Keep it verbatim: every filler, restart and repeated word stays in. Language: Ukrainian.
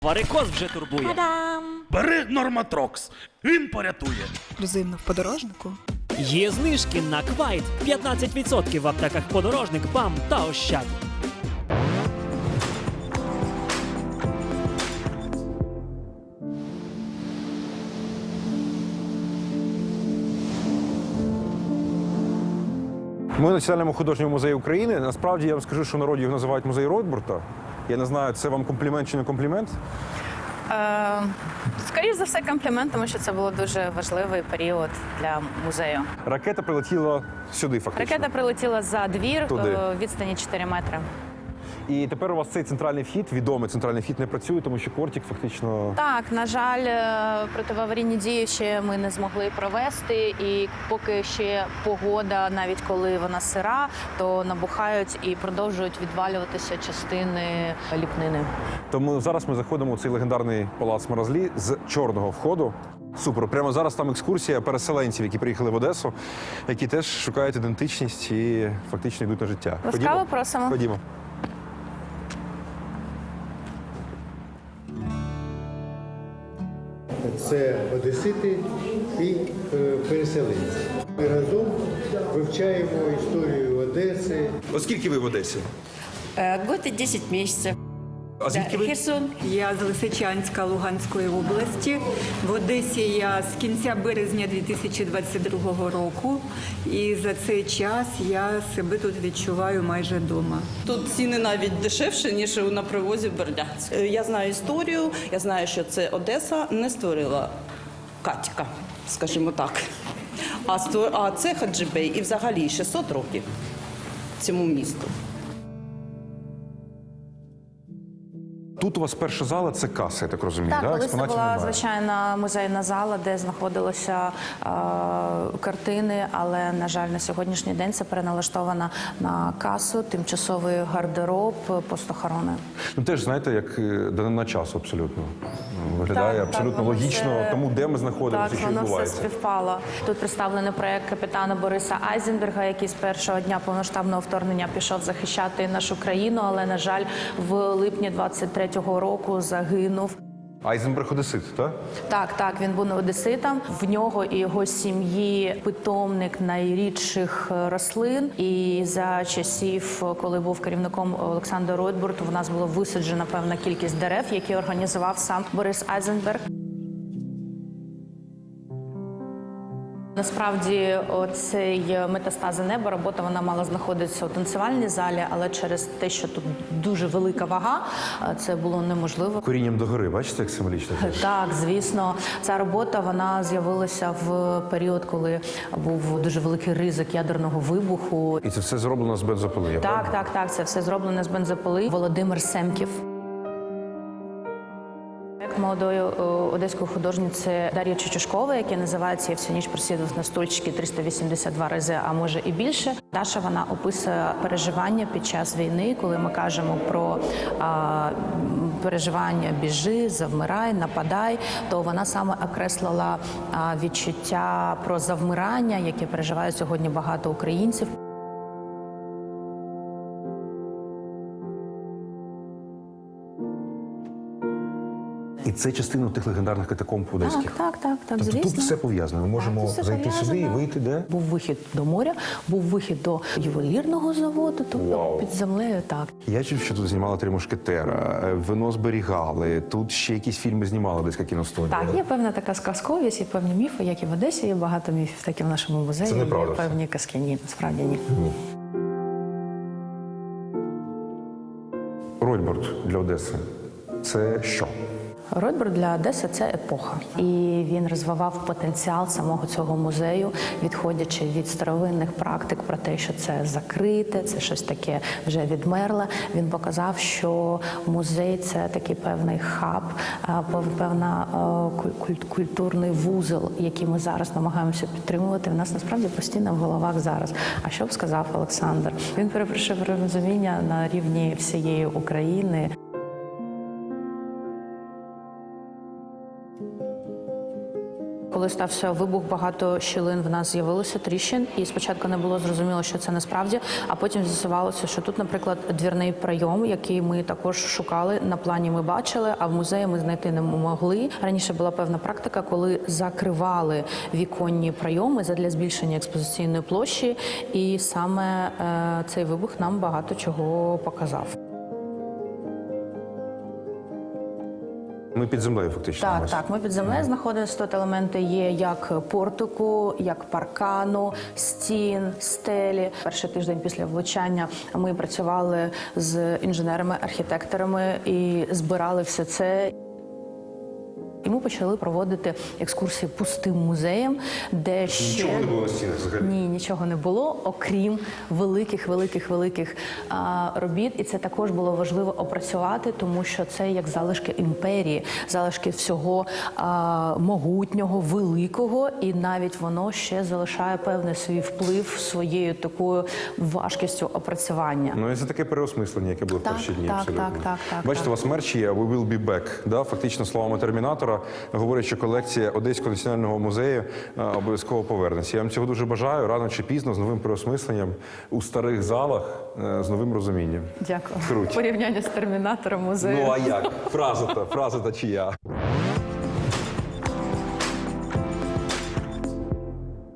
Варикоз вже турбує. Та-дам! Бери Норматрокс, він порятує. Ексклюзивно в подорожнику. Є знижки на Квайт. п'ятнадцять відсотків в аптеках Подорожник, БАМ та Ощад. Ми в Національному художньому музеї України. Насправді, я вам скажу, що в народі його називають музей Ройтбурта. Я не знаю, це вам комплімент чи не комплімент? Е, скоріше за все, комплімент, тому що це був дуже важливий період для музею. Ракета прилетіла сюди, фактично. Ракета прилетіла за двір, Туди. е, відстані чотири метри. І тепер у вас цей центральний вхід, відомий центральний вхід, не працює, тому що кортик фактично... Так, на жаль, е, протиаварійні дії ще ми не змогли провести, і поки ще погода, навіть коли вона сира, то набухають і продовжують відвалюватися частини ліпнини. Тому зараз ми заходимо у цей легендарний палац Маразлі з чорного входу. Супер. Прямо зараз там екскурсія переселенців, які приїхали в Одесу, які теж шукають ідентичність і фактично йдуть на життя. Ласкаво просимо. Ходімо. Це одесити і е, переселенці. Ми разом вивчаємо історію Одеси. Оскільки ви в Одесі? Э, Год и десять месяцев. А звідки ви? Херсон. Я з Лисичанська Луганської області. В Одесі я з кінця березня дві тисячі двадцять другого року. І за цей час я себе тут відчуваю майже вдома. Тут ціни навіть дешевші, ніж на привозі в Бердянськ. Я знаю історію, я знаю, що це Одеса не створила Катька, скажімо так. А, ство... а це Хаджибей і взагалі шістсот років цьому місту. Тут у вас перша зала – це каса, я так розумію, Так, да? колись це Експонатів була немає. звичайна музейна зала, де знаходилися е, картини, але, на жаль, на сьогоднішній день це переналаштована на касу, тимчасовий гардероб, постохорони. Ну теж, знаєте, як е, данина часу абсолютно. Виглядає Так, абсолютно так, воно логічно все- тому, де ми знаходимося, Так, що воно все відбувається. співпало. Тут представлений проєкт капітана Бориса Айзенберга, який з першого дня повноштабного вторгнення пішов захищати нашу країну, але, на жаль, в липні двадцять третього року загинув. Айзенберг одесит, так? Так, так, він був одеситом. В нього і його сім'ї питомник найрідших рослин. І за часів, коли був керівником Олександр Ройтбурт, у нас було висаджена певна кількість дерев, які організував сам Борис Айзенберг. Насправді, оцей метастази неба, робота вона мала знаходитися у танцювальній залі, але через те, що тут дуже велика вага, це було неможливо. Корінням догори, бачите, як символічно? Так, звісно, ця робота вона з'явилася в період, коли був дуже великий ризик ядерного вибуху. І це все зроблено з бензопили, я Так, правильно? так, так, це все зроблено з бензопили. Володимир Семків. Молодої е, одеської художниці Дар'ї Чучушкової, який називається «Я всю ніч просидів на стульчики триста вісімдесят два рази, а може і більше». Даша, вона описує переживання під час війни, коли ми кажемо про а, переживання «біжи», «завмирай», «нападай», то вона саме окреслила а, відчуття про завмирання, яке переживають сьогодні багато українців. І це частина тих легендарних катакомб одеських. Так, так, так, так, Тобто звісно. тут все пов'язано. Ми можемо Так, тут все зайти сюди і пов'язано. вийти де? Був вихід до моря, був вихід до ювелірного заводу, тобто Вау. під землею, так. Я чув, що тут знімали «Три мушкетера», е, вино зберігали, тут ще якісь фільми знімали, десь кіностудія. Так, є певна така сказковість, є певні міфи, як і в Одесі, є багато міфів, так і в нашому музеї. Це неправда Є все. певні казки. Ні, насправді ні. Ройтбурт для Одеси – це що? Ройтбурт для Одеси – це епоха. І він розвивав потенціал самого цього музею, відходячи від старовинних практик про те, що це закрите, це щось таке вже відмерле. Він показав, що музей – це такий певний хаб, певна культурний вузол, який ми зараз намагаємося підтримувати. В нас насправді постійно в головах зараз. А що б сказав Олександр? Він перепрошив розуміння на рівні всієї України. коли стався вибух, багато щілин в нас з'явилося, тріщин, і спочатку не було зрозуміло, що це насправді, а потім з'ясувалося, що тут, наприклад, двірний прийом, який ми також шукали, на плані ми бачили, а в музеї ми знайти не могли. Раніше була певна практика, коли закривали віконні прийоми задля збільшення експозиційної площі, і саме е, цей вибух нам багато чого показав. Ми під землею фактично. Так, ось. так, ми під землею знаходимося. Тут елементи є як портику, як паркану, стін, стелі. Перший тиждень після влучання ми працювали з інженерами, архітекторами і збирали все це. І ми почали проводити екскурсії пустим музеєм, де ще... Нічого не було на стінах взагалі? Ні, нічого не було, окрім великих, великих, великих а, робіт. І це також було важливо опрацювати, тому що це як залишки імперії, залишки всього а, могутнього, великого, і навіть воно ще залишає певний свій вплив своєю такою важкістю опрацювання. Ну і це таке переосмислення, яке було в Так, перші дні. так, абсолютно. так, так, так, Бачите, так. у вас мерч є «We will be back», да? Фактично словами Термінатора говорять, що колекція Одеського національного музею а, обов'язково повернеться. Я вам цього дуже бажаю, рано чи пізно, з новим переосмисленням у старих залах, е, з новим розумінням. Дякую. Круто. Порівняння з термінатором музею. Ну а як? Фраза-та, фраза-та чия?